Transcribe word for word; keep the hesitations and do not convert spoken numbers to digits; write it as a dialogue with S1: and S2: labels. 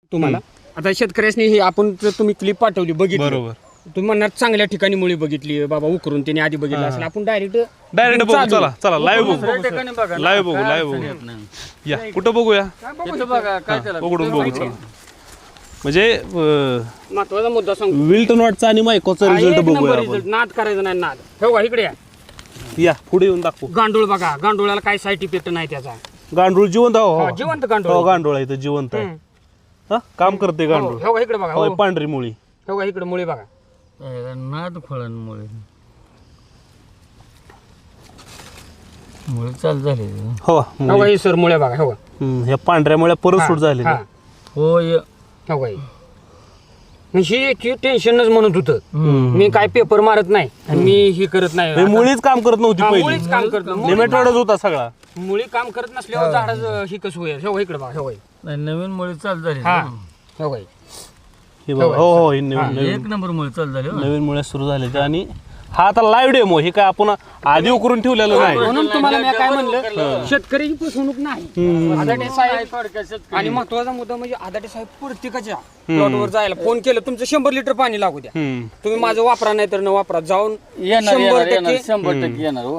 S1: तुम्हाला आता शेतकऱ्यांनी हे आपण जर तुम्ही क्लिप पाठवली बघितली
S2: बरोबर.
S1: तुम्ही म्हणणार चांगल्या ठिकाणी मुळी बघितली बाबा उकरून त्याने आधी बघितलं असेल आपण डायरेक्ट
S2: डायरेक्ट बघू चला चला लाईव्ह बघू
S3: बघा
S2: लाईव्ह बघू लाईव्ह बघू या कुठं बघूया
S3: बघा काय त्याला
S2: उघडून बघू चला म्हणजे अं,
S1: महत्वाचा मुद्दा सांगतो
S2: विल्टन वॉटचा आणि मायकोचा
S1: हा,
S2: रिझल्ट
S1: एक
S2: बघूया
S1: नंबर
S2: आपण
S1: result. नाद करायचा नाही नाद हे बघा इकडे या.
S2: या पुढे येऊन दाखवू
S1: गांडूळ बघा गांडुळाला काही साईड इफेक्ट नाही त्याचा
S2: गांडूळ जिवंत आहे, हो
S1: हा,
S2: हो.
S1: जिवंत गांडूळ
S2: हो
S1: आहे.
S2: गांडूळ आहे इथं जिवंत आहे
S1: हम्म.
S2: हा काम करते
S1: हो,
S2: गांडूळ
S1: हे बघा इकडे बघा
S2: होय
S1: हो.
S2: पांढरी मुळी
S1: हे बघा इकडे मुळे बघा
S3: नाद फळांमुळे मुळे चालू झाले
S2: हो
S1: हे बघा ही सर मुळे बघा हे बघा
S2: हम्म, ह्या पांढऱ्या मुळ्या परत सूट झाली
S1: हा.
S3: होय
S1: हे बघा ही. ही टेन्शनच म्हणत होतं मी काय पेपर मारत नाही आणि मी हे करत नाही
S2: मुळीच काम करत नव्हती
S1: हा,
S2: पहिली
S1: मुळीच काम करत नाही.
S2: नेमॅटोडच होता सगळा
S1: मुळी काम करत नसल्यावर झाडाचं ही कसं होईल हे बघा इकडे बघा हे बघा
S3: नाही नवीन मुळे चालू झाले
S1: हा हे बघा
S2: हे बघा हो हो हे नवीन नवीन
S3: एक नंबर मुळे चालू झाले हो.
S2: नवीन मुळे सुरू झाले ते आणि हा आता लाईव्ह डेमो हे काय आपण आधी उकरून ठेवलेलं नाही
S1: म्हणून तुम्हाला मी काय म्हणलं शेतकऱ्याची फसवणूक नाही आदाटे साहेब आणि महत्वाचा मुद्दा म्हणजे आदाटे साहेब प्रत्येकाच्या प्लॉटवर जायला फोन केलं तुमचं शंभर लिटर पाणी लागू द्या
S2: हम्म.
S1: तुम्ही माझं वापरा नाही तर न वापरा जाऊन
S3: येणार
S1: शंभर
S3: येणार येणार
S1: टक्के
S3: शंभर टक्के येणार हो